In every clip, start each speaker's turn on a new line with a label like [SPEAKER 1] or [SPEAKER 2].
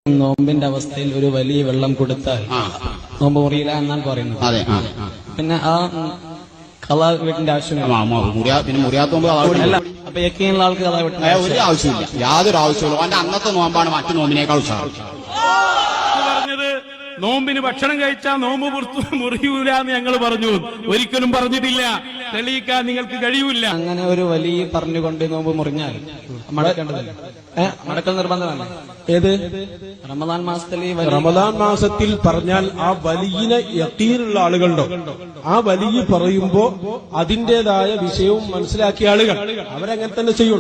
[SPEAKER 1] നോമ്പിന്റെ അവസ്ഥയിൽ ഒരു വലിയ വെള്ളം കൊടുത്താൽ നോമ്പ് മുറിയില്ല എന്നാണ് പറയുന്നത്.
[SPEAKER 2] അതെ.
[SPEAKER 1] പിന്നെ ആ കള വീട്ടിന്റെ ആവശ്യമില്ല.
[SPEAKER 2] പിന്നെ മുറിയാത്തോമ്പ്
[SPEAKER 1] അപ്പൊ യക്കീനുള്ള ആൾക്ക് കള വീട്ടിന്റെ
[SPEAKER 2] ഒരു ആവശ്യമില്ല, യാതൊരു ആവശ്യമില്ല. അവന്റെ അന്നത്തെ നോമ്പാണ് മറ്റു നോമ്പിനേക്കാൾ ഉത്സാഹം.
[SPEAKER 3] പറഞ്ഞത് നോമ്പിന് ഭക്ഷണം കഴിച്ചാൽ നോമ്പ് മുറിയൂല എന്ന് ഞങ്ങൾ പറഞ്ഞു, ഒരിക്കലും പറഞ്ഞിട്ടില്ല. തെളിയിക്കാൻ നിങ്ങൾക്ക് കഴിയൂല.
[SPEAKER 1] അങ്ങനെ ഒരു വലിയ പറഞ്ഞുകൊണ്ട് നോമ്പ് മുറിഞ്ഞാൽ മടക്കേണ്ടതല്ല, മടക്കൽ നിർബന്ധമല്ല. ഏത് റമദാൻ മാസത്തിൽ
[SPEAKER 4] റമദാൻ മാസത്തിൽ പറഞ്ഞാൽ ആ വലിയ യഖീനുള്ള ആളുകളുണ്ടോ, ആ വലിയ പറയുമ്പോ അതിന്റേതായ വിഷയവും മനസ്സിലാക്കിയ ആളുകൾ അവരങ്ങനെ തന്നെ ചെയ്യുള്ളൂ.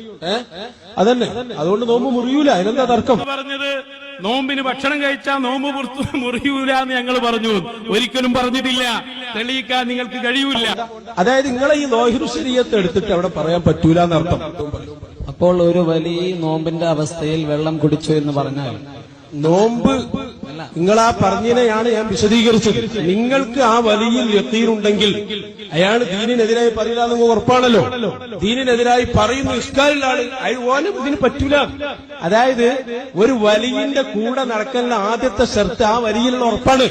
[SPEAKER 4] അതന്നെ, അതുകൊണ്ട് നോമ്പ് മുറിയൂല. അതിനെന്താ തർക്കം?
[SPEAKER 3] പറഞ്ഞത് നോമ്പിന് ഭക്ഷണം കഴിച്ചാൽ നോമ്പ് മുറിയൂല എന്ന് ഞങ്ങൾ പറഞ്ഞു, ഒരിക്കലും പറഞ്ഞിട്ടില്ല. തെളിയിക്കാൻ നിങ്ങൾക്ക് കഴിയൂല.
[SPEAKER 4] അതായത് നിങ്ങളെ ഈ നോഹിറു ശരീഅത്ത് എടുത്തിട്ട് അവിടെ പറയാൻ പറ്റൂല എന്നർത്ഥം.
[SPEAKER 1] അപ്പോൾ ഒരു വലിയ നോമ്പിന്റെ അവസ്ഥയിൽ വെള്ളം കുടിച്ചു എന്ന് പറഞ്ഞാൽ
[SPEAKER 4] നോമ്പ് നിങ്ങൾ ആ പറഞ്ഞതിനെയാണ് ഞാൻ വിശദീകരിച്ചത്. നിങ്ങൾക്ക് ആ വലിയ യഖീനുണ്ടെങ്കിൽ അയാൾ ദീനിനെതിരായി പറയില്ല എന്ന് ഉറപ്പാണല്ലോ. ദീനിനെതിരായി പറയുന്ന ഇഷ്കാലുള്ള ആള് അതുപോലെ ഇതിന് പറ്റൂല. അതായത് ഒരു വലിയന്റെ കൂടെ നടക്കുന്ന ആദ്യത്തെ ഷർത്ത് ആ വലിയിലുള്ള ഉറപ്പാണ്.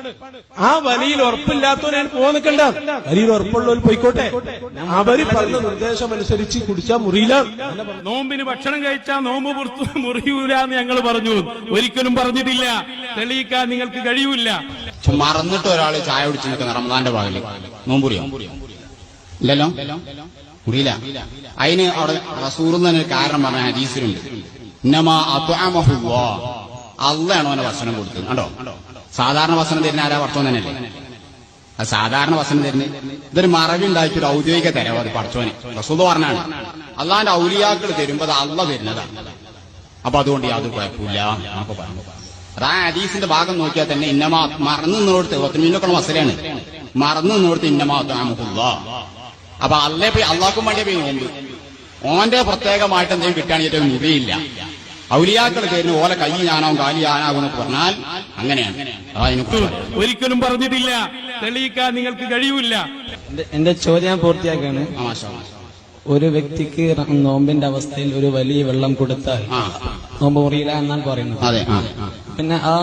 [SPEAKER 4] ആ വലിയിൽ ഉറപ്പില്ലാത്തവനെ പോകാൻ നിൽക്കണ്ട. വലിയിൽ ഉറപ്പുള്ളവർ പോയിക്കോട്ടെ. അവര് പറഞ്ഞ നിർദ്ദേശം അനുസരിച്ച് കുടിച്ചാൽ മുറിയില്ല.
[SPEAKER 3] നോമ്പിന് ഭക്ഷണം കഴിച്ചാൽ നോമ്പ് മുറിയൂല എന്ന് ഞങ്ങൾ പറഞ്ഞു, ഒരിക്കലും പറഞ്ഞിട്ടില്ല. തെളിയിക്കാൻ നിങ്ങൾക്ക് കഴിയൂല.
[SPEAKER 2] മറന്നിട്ട് ഒരാൾ ചായ കുടിച്ച് നിൽക്കുന്ന റമദാന്റെ ഭാഗത്ത് നോമ്പുറിയോ? ഇല്ലല്ലോ, മുറിയില്ല. അതിന് അവിടെ റസൂൽ തന്നെ കാരണം പറഞ്ഞ ഹദീസിലുണ്ട്, ഇന്നമാ അത്അമഹുല്ലാഹ്, അള്ളാണ് അവനെ ഭക്ഷണം കൊടുത്തത്. കണ്ടോ, സാധാരണ ഭക്ഷണം തരുന്ന ആരാ? പടച്ചോൻ തന്നെയല്ലേ. അത് സാധാരണ ഭക്ഷണം തരുന്നത് ഇതൊരു മറവി ഉണ്ടാക്കി ഒരു ഔദ്യോഗിക തരവ്. അത് പടച്ചോനെ റസൂൽ പറഞ്ഞാണ്, അള്ളാന്റെ ഔലിയാക്കൾ തരുമ്പോ അത് അള്ള തരുന്നതാണ്. അപ്പൊ അതുകൊണ്ട് യാതൊരു കുഴപ്പമില്ല എന്നൊക്കെ പറഞ്ഞു. അത് ആ ഹദീസിന്റെ ഭാഗം നോക്കിയാൽ തന്നെ ഇന്നമാ മറന്നു നിന്നോടത്ത് 10 മിനിറ്റൊക്കെ മസലയാണ്. മറന്നു നിന്നോടത്ത് ഇന്നമാ അത്അമഹുല്ലാഹ്. അപ്പൊ അള്ളേ പോയി അള്ളാഹ്ക്കും വേണ്ടിയ പോയി നോമ്പ് ഓന്റെ പ്രത്യേകമായിട്ട് എന്തെങ്കിലും കിട്ടുകയാണെങ്കിൽ ഏറ്റവും മുറിയില്ല. ഔലിയാക്കൾ തരുന്ന ഓലെ കൈ ഞാനാവും കാലി ഞാനാകും എന്നൊക്കെ പറഞ്ഞാൽ അങ്ങനെയാണ്.
[SPEAKER 3] ഒരിക്കലും പറഞ്ഞിട്ടില്ല. തെളിയിക്കാൻ നിങ്ങൾക്ക് കഴിയൂല.
[SPEAKER 1] എന്റെ ചോദ്യം പൂർത്തിയാക്കാണ്. ഒരു വ്യക്തിക്ക് നോമ്പിന്റെ അവസ്ഥയിൽ ഒരു വലിയ വെള്ളം കൊടുത്താൽ നോമ്പ് മുറിയില്ല എന്നാണ് പറയുന്നത്.
[SPEAKER 2] അതെ.
[SPEAKER 1] പിന്നെ ആ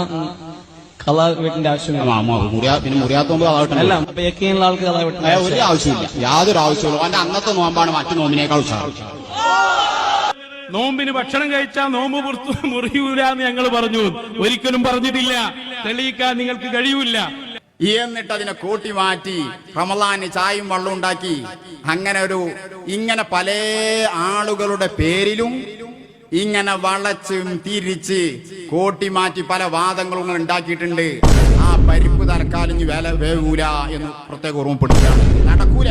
[SPEAKER 1] കള വീട്ടിന്റെ ആവശ്യമില്ല.
[SPEAKER 2] പിന്നെ മുറിയാത്തോമ്പ്
[SPEAKER 1] അല്ല, അപ്പൊ യക്കീനുള്ള ആൾക്ക് കള വീട്ടിന്റെ
[SPEAKER 2] ഒരു ആവശ്യമില്ല, യാതൊരു ആവശ്യമില്ല. അവന്റെ അന്നത്തെ നോമ്പാണ് മറ്റു നോമ്പിനേക്കാൾ ഉത്സാഹം.
[SPEAKER 3] നോമ്പിന് ഭക്ഷണം കഴിച്ചാൽ നോമ്പ് മുറിയൂല എന്ന് ഞങ്ങൾ പറഞ്ഞു, ഒരിക്കലും പറഞ്ഞിട്ടില്ല. തെളിയിക്കാൻ നിങ്ങൾക്ക് കഴിയൂല.
[SPEAKER 2] എന്നിട്ട് അതിനെ കൂട്ടി മാറ്റി റമളാന് ചായയും വെള്ളം ഉണ്ടാക്കി. ഇങ്ങനെ പല ആളുകളുടെ പേരിലും ഇങ്ങനെ വളച്ചും തിരിച്ച് കൂട്ടി മാറ്റി പല വാദങ്ങളും ഉണ്ടാക്കിയിട്ടുണ്ട്. ആ പരിപ്പ് തൽക്കാലം വേവൂല എന്ന് പ്രത്യേക ഓർമ്മപ്പെടുത്തുകയാണ്. നടക്കൂല,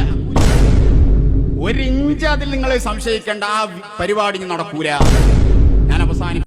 [SPEAKER 2] ഒരിഞ്ച് അതിൽ നിങ്ങൾ സംശയിക്കേണ്ട. ആ പരിപാടി നടക്കൂല. ഞാൻ അവസാനം